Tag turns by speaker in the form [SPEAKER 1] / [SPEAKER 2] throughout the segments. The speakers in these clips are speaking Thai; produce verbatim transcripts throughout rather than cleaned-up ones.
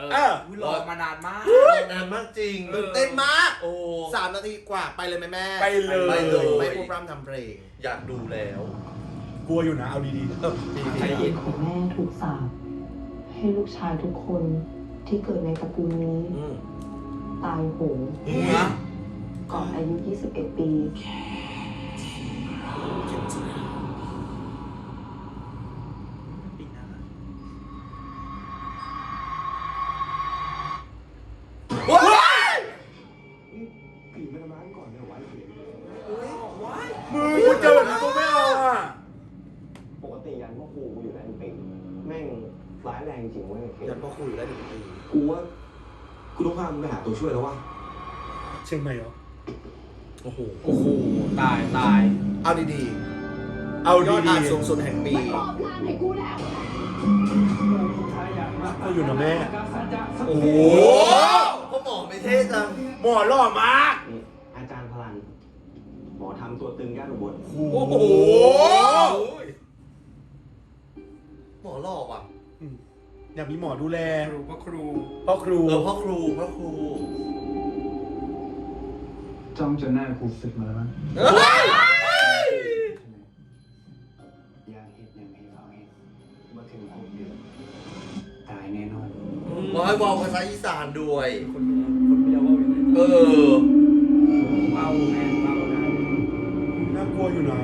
[SPEAKER 1] อรอมานานมาก
[SPEAKER 2] นานมากจริง
[SPEAKER 3] ตื่นเต้นมาก
[SPEAKER 2] โอ้
[SPEAKER 3] สามนาทีกว่าไปเลยไหมแม่
[SPEAKER 2] ไปเลยไปเลย
[SPEAKER 3] ไม่พูดพร่ำทำเพลง
[SPEAKER 2] อยากดูแล้ว
[SPEAKER 4] กลัวอยู่นะเอาดีๆเออ
[SPEAKER 1] ใจเย็น
[SPEAKER 5] แม่ถูกสาปให้ลูกชายทุกคนที่เกิดในตระกูลนี้ตายโหงก่อนอายุยี่สิบเอ็ดปี
[SPEAKER 3] ว้าย
[SPEAKER 4] ปีมาล้างก่อนเลยไว้เสีย
[SPEAKER 3] ว้าย
[SPEAKER 4] มือกูเจอแบบนี้กูไม่เอาอ่ะ
[SPEAKER 6] ปกติยันพ่อครูกูอยู่ได้หนึ่งปีแม่งร้ายแรงจริงเว้ย
[SPEAKER 3] ยันพ่อครูอยู่ได้หนึ่งปี
[SPEAKER 6] กูว่ากูต้องพามึงไปหาตัวช่วยแล้ววะ
[SPEAKER 4] เชียงใหม่เหรอ
[SPEAKER 3] โอ้โห
[SPEAKER 1] โอ้โหตายตาย
[SPEAKER 3] เอาดีๆ
[SPEAKER 4] เอา
[SPEAKER 3] ยอด
[SPEAKER 4] ดี
[SPEAKER 3] อ่านสูงสุดแห่งปี
[SPEAKER 4] ก็อยู่นะแม่
[SPEAKER 3] โอ้โหพ่อหมอไม่เท่จัง
[SPEAKER 4] หมอหล่อมาก
[SPEAKER 6] อาจารย์พลันหมอทำตัวตึงย่านอุบล
[SPEAKER 3] โอ้โหหมอหล่อว่ะ
[SPEAKER 4] อยากมีหมอดูแล
[SPEAKER 1] ครูพ่อครู
[SPEAKER 4] พ่อครู
[SPEAKER 3] เออพ่อครูพ่อครู
[SPEAKER 7] จ้องจนหน้าครูสึกมาแล้วมั้ง
[SPEAKER 6] ยาเห็ดยังไม่เอาเห็ดมาถึงหกเดือนตายแน่นอน
[SPEAKER 3] บอกให้บอกภาษาอีสานด้วย
[SPEAKER 1] คนคนไม่ยอมว่าอย่างไร
[SPEAKER 3] เออ
[SPEAKER 1] เบาแม่เบาได้
[SPEAKER 4] น่ากลัวอยู่นะ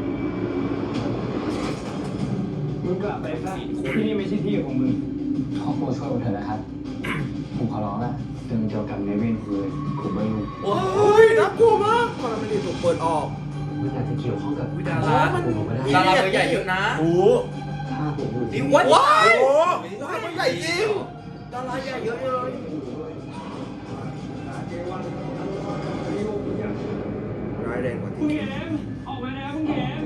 [SPEAKER 7] มึงกลับไปซะที่นี่ไม่ใช่ที่ของมึงขอโปรดช่วยผมเถอะนะครับผมขอร้องละเรื่องเกี่ยวกับในเว้นคือผมไม่รู้
[SPEAKER 3] โอ้ยน่ากลัวมากพอมันไม่ได้ถูกเปิดออก
[SPEAKER 6] มันอาจจะเกี่ยวข้องกับ
[SPEAKER 1] ดาราดาราตัวใหญ่เยอะนะ
[SPEAKER 4] โอ้
[SPEAKER 6] ถ้าผมอยู่
[SPEAKER 3] นี่ว้ายว้ายมันใหญ่จริงดาราใหญ่เยอะเลยร้ายแรงกว่าที่
[SPEAKER 7] คุณแหมออกมาแล้วคุณแหม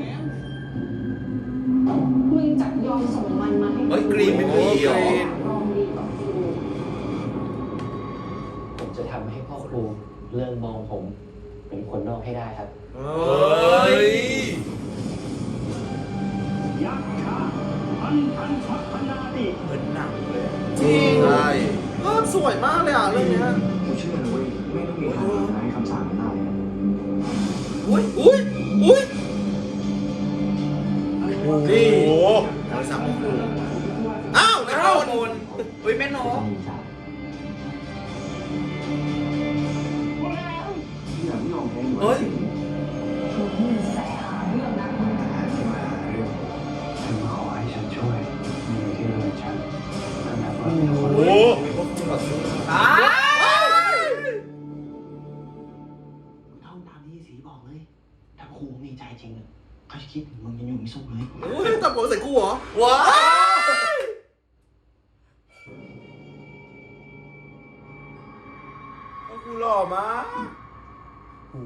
[SPEAKER 5] มึงจะยอมส่งมันมาให้
[SPEAKER 3] เฮ้ยกรีนเป็นผีเหรอ
[SPEAKER 6] ผมจะทำให้พ่อครูเลิกมองผมเป็นคนนอกให้ได้ครับ
[SPEAKER 3] เฮ้ย
[SPEAKER 7] ยักษ์ชาพันพันชักพันนาติ
[SPEAKER 1] เหมือนหนังเลย
[SPEAKER 3] จริงใช่ภาพสวยมากเลยอ่ะเรื่องนี้
[SPEAKER 6] กูเชื่อเลยเว้ยไม่ต้องมีทางไหนคำสั่งมันได้
[SPEAKER 3] อุ้ยอุ้ยอุ้ย
[SPEAKER 4] นี่โอ้
[SPEAKER 3] ภาษาพ่อครูอ้าวนะโอน
[SPEAKER 1] อุ้ยแม่น้อง
[SPEAKER 3] เฮ้ย
[SPEAKER 7] ฉันขอให้ฉันช่วยในที่เราฉันขนาดว่า
[SPEAKER 4] โอ้
[SPEAKER 1] ตาย
[SPEAKER 6] ท่องตามที่สีบอกเลยถ้าครูมีใจจริงเขาจะคิดถึงมึงยังอยู่ไม่สุขเลย
[SPEAKER 3] โอ้ยตัดผมใส่กูเหรอว้าว
[SPEAKER 4] กูหล่อมาก
[SPEAKER 3] โอ้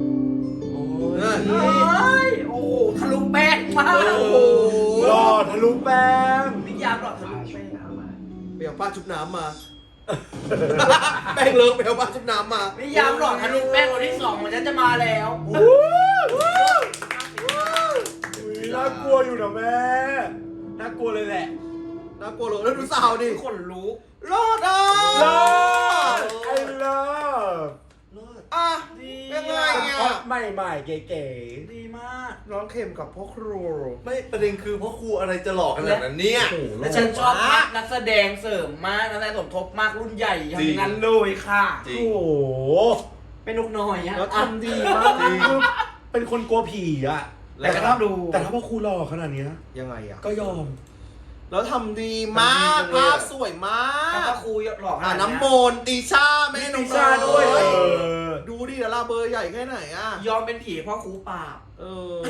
[SPEAKER 1] ยโอ้โหทะลุแป้งมากโอ้โห
[SPEAKER 4] หล่อทะลุแป้ง
[SPEAKER 1] นิยามหล่อทะลุแป้ง
[SPEAKER 3] ไปเอาป้าชุบน้ำมาแป้งเลิกไปเอาป้าชุบน้ำมา
[SPEAKER 1] นิยามหล่อทะลุแป้งวันที่สองมันจะมาแล้ว
[SPEAKER 4] น่ากลัวอยู่นะแม่น่ากลัวเลยแหละ
[SPEAKER 3] น่ากลัวเลยแล้วดูสาวดิ
[SPEAKER 1] ขนลุก
[SPEAKER 3] รอดอ่ะ
[SPEAKER 4] รอดไอ้เลิฟ
[SPEAKER 3] อ่ะยังไงอ่ะ
[SPEAKER 4] ใหม่ๆเก๋
[SPEAKER 1] ๆดีมาก
[SPEAKER 3] ร้องเค็มกับพ่อครู
[SPEAKER 2] ไม่ประเด็นคือพ่อครูอะไรจะหลอกขนาดนั้นเนี่ย
[SPEAKER 1] และฉันชอบมากนักแสดงเสริมมากนักแสดงสมทบมากรุ่นใหญ่ทั้งนั้นเลยค่ะ
[SPEAKER 4] โอ้โห
[SPEAKER 1] เป็นนกน้อยอ่ะ
[SPEAKER 3] แล้วทำดีมาก
[SPEAKER 4] เป็นคนกลัวผีอ่ะ
[SPEAKER 1] แต่ถ้าดู
[SPEAKER 4] แต่ถ้าพ่อครูหล่อขนาดนี้
[SPEAKER 3] ยังไงอ่ะ
[SPEAKER 4] ก็ยอม
[SPEAKER 3] แล้วทำดีมากภาพสวยมาก
[SPEAKER 1] แล้วก็ครูหล่อขนาดนี้
[SPEAKER 3] น้ำมนต์ติชาแม่น้อง
[SPEAKER 4] ติชาด้วย
[SPEAKER 3] ดูดิดาราเบอร์ใหญ่แค่ไหนอ่ะ
[SPEAKER 1] ยอมเป็นผีเพราะครูปราบ
[SPEAKER 3] เออ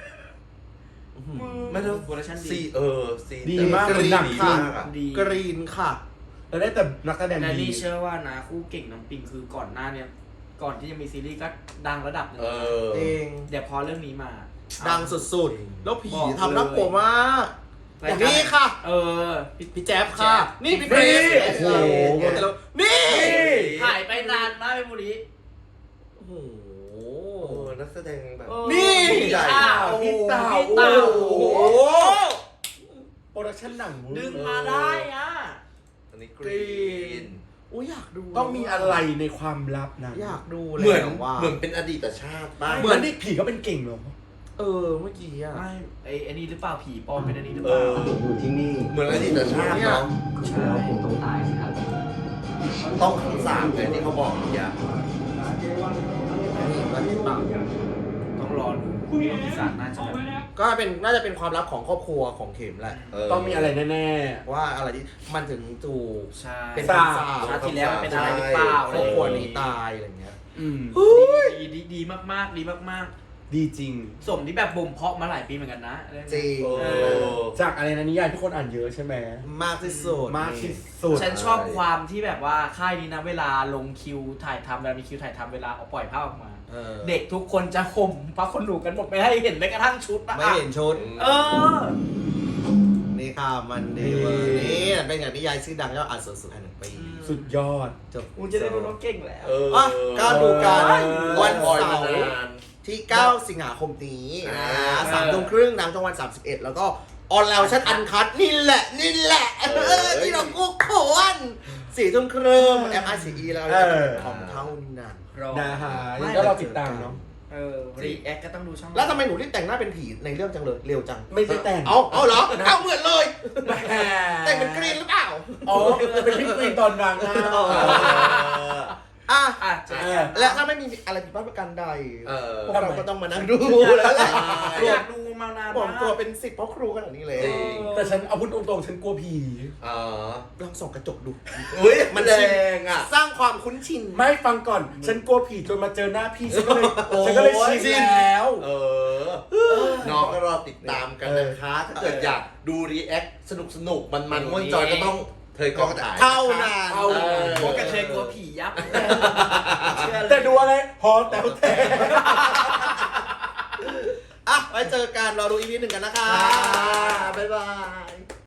[SPEAKER 1] ไม่รู้โปรดักชั่นดี
[SPEAKER 2] เออซี
[SPEAKER 4] ดีมาก
[SPEAKER 3] กรีนค่ะกรีนค่ะ
[SPEAKER 4] แล้วได้แต่นักแสดงดี
[SPEAKER 1] และนี่เชื่อว่านะคู่เก่งน้ำปิงคือก่อนหน้าเนี่ยก่อนที่จะมีซีรีส์ก็ดังระดับนึง
[SPEAKER 3] เอง
[SPEAKER 1] เดี๋ยวพอเรื่องนี้มา
[SPEAKER 3] ดังสุดๆแล้วผีทำน่ากลัวมากอย่างนี้ค่ะ
[SPEAKER 1] เออ
[SPEAKER 3] พี่แจ๊บค่ะนี่พี่เกรซโอ้โหนี่
[SPEAKER 1] หายไปนานมากเป็นบุรี
[SPEAKER 2] โอ้โหนักแสดงแบบ
[SPEAKER 3] นี่
[SPEAKER 1] ใหญ่
[SPEAKER 4] พี่เต่า
[SPEAKER 1] พี่เต่าโอ้โห
[SPEAKER 4] โปรดักชั่นหนัง
[SPEAKER 1] ดึงมาได้อ่ะ
[SPEAKER 2] นี่กรีน
[SPEAKER 3] อุ้ยอยากดู
[SPEAKER 4] ต้องมีอะไรในความลับนะ
[SPEAKER 3] อยากดูเลย
[SPEAKER 2] เหมือน
[SPEAKER 3] ว่า
[SPEAKER 2] เหมือนเป็นอดีตชาติบ้าง
[SPEAKER 4] เหมือนนี่ผีก็เป็นเก่งเหรอ
[SPEAKER 3] เออเมื่อกี้อ่ะ
[SPEAKER 1] ไม่ไอ้ไอ้นี่หรือเปล่าผีปลอมเป็นอันนี้หรือ
[SPEAKER 2] เอ
[SPEAKER 1] เปล่า
[SPEAKER 2] อ
[SPEAKER 7] ผมอยู่ที่นี่
[SPEAKER 2] เหมือนอดีตชาติเนาะ
[SPEAKER 7] แล้วผมต้องตายสิครับ
[SPEAKER 2] ต้องคำสาปไงที่เขาบอกเมื่อกี้
[SPEAKER 3] นี่มันปัง
[SPEAKER 1] ต้องรอดูปีศาจน่าจะแบบ
[SPEAKER 3] ก็เป็นน่าจะเป็นความลับของครอบครัวของเข็มแหละ
[SPEAKER 4] ต้องมีอะไรแน่
[SPEAKER 3] ว่าอะไรที่มันถึงถูก
[SPEAKER 1] ใช่
[SPEAKER 3] เป็น
[SPEAKER 4] สา
[SPEAKER 3] คำสาป
[SPEAKER 1] ชาติที่แล้วมันเป็นอะไรหรือเปล่า
[SPEAKER 3] ครอบครัวนี้ตายอะไรเงี้ย
[SPEAKER 4] ๆอืม
[SPEAKER 1] ดีดีดีมากๆดีมาก
[SPEAKER 4] ดีจริง
[SPEAKER 1] ๆสมที่แบบบ่มเพาะมาหลายปีเหมือนกันนะเองนี้
[SPEAKER 3] จริง
[SPEAKER 2] เออ
[SPEAKER 4] จากอะไรนะนิยายที่คนอ่านเยอะใช่ไหม
[SPEAKER 3] มากที่สุด
[SPEAKER 4] มากที่สุด
[SPEAKER 1] ฉันชอบความที่แบบว่าค่ายนี้นะเวลาลงคิวถ่ายทำเวลามีคิวถ่ายทำเวลาเอาปล่อยภาพออกมา
[SPEAKER 3] เออ
[SPEAKER 1] เด็กทุกคนจะข่มพระคนหนูกันหมดไม่ให้เห็นแม้กระทั่งชุดนะ
[SPEAKER 3] ไม่เห็นชุด
[SPEAKER 1] เออ
[SPEAKER 3] นี่ค่ะมันดีเวอร์นี่เป็นอย่างนิยายชื่อดังยอดอ่านสุดสุดแห่งหนึ่งปี
[SPEAKER 4] สุดยอด
[SPEAKER 3] จบ
[SPEAKER 1] กูจะได้รู้น้องเก่งแล้ว
[SPEAKER 2] เออ
[SPEAKER 3] อ่ะก็ดูกัน
[SPEAKER 2] วั
[SPEAKER 3] วัน น
[SPEAKER 2] ปล่อย
[SPEAKER 3] เสา
[SPEAKER 2] มา
[SPEAKER 3] ร์
[SPEAKER 2] นาน
[SPEAKER 3] ที่ เก้า สิงหาคมนี้
[SPEAKER 2] อ่า
[SPEAKER 3] นะสามทุ่มครึ่งทางช่องวันสามสิบเอ็ดแล้วก็ออนไลน์ชั้นอันคัดนี่แหละ นี่แหละเออที่เรากุ๊กโขนสี่ทุ่มครึ่งแอปไอซีแล้ว
[SPEAKER 4] เออ
[SPEAKER 3] ของเท่านั้น
[SPEAKER 1] รอ
[SPEAKER 4] นะฮะยังก็เราติดตามเนาะ
[SPEAKER 1] เออรีแอคก็ต้องดูช่อง
[SPEAKER 3] แล้วทำไมหนูรีบแต่งหน้าเป็นผีในเรื่องจังเลยเร็วจัง
[SPEAKER 4] ไม่ได้แต่ง
[SPEAKER 3] เอาเอาเหรอเอาเหมือนเลย
[SPEAKER 4] แหม
[SPEAKER 3] แต่งเป็นกรีนหรือเปล่า
[SPEAKER 4] อ๋อเป็นพี่กรีนตอนบางหน้า
[SPEAKER 3] อ่ะ
[SPEAKER 1] อ่ะ
[SPEAKER 4] เออ
[SPEAKER 3] และถ้าไม่มีอะไรผิดพลาดประการใด
[SPEAKER 2] เออ
[SPEAKER 3] พวกเราก็ต้องมานั่งดูแล้วแหละ
[SPEAKER 1] อยากดูมานาน
[SPEAKER 3] ผม
[SPEAKER 1] มาก
[SPEAKER 3] ตัวเป็นสิบเพราะครูขนาดนี้เลย
[SPEAKER 2] จริง
[SPEAKER 4] แต่ฉันเอาพูดตรงๆฉันกลัวผี
[SPEAKER 2] อ๋อ
[SPEAKER 3] ลองส่องกระจกดู
[SPEAKER 2] อุ้ย
[SPEAKER 3] มั
[SPEAKER 2] มัน
[SPEAKER 3] น
[SPEAKER 2] แด
[SPEAKER 3] ชิน
[SPEAKER 2] งอ่ะ
[SPEAKER 3] สร้างความคุ้นชิน
[SPEAKER 4] ไม่ฟังก่อน ฉันกลัวผีจนมาเจอหน้าพี่ฉันก็เลย
[SPEAKER 2] โอ้ย
[SPEAKER 4] ฉันก็เลยชินแล้ว
[SPEAKER 2] เออ น้องก็รอติดตามกันนะคะ ถ้าเกิดอยากดูรีแอคสนุกสนุกมันมันม่วนจอยก็ต้องเธอกองถ่าย
[SPEAKER 3] เท่านั้น
[SPEAKER 4] เท่านั้น
[SPEAKER 2] เออ
[SPEAKER 1] พวกกระเทยกลัวผียับเชื่อเลย
[SPEAKER 4] แต่ดูอะไรหอแต๋วแต่
[SPEAKER 3] อ่ะ ไว้เจอกันรอดูอีพีหนึ่งกันนะคะ
[SPEAKER 2] บ๊ายบาย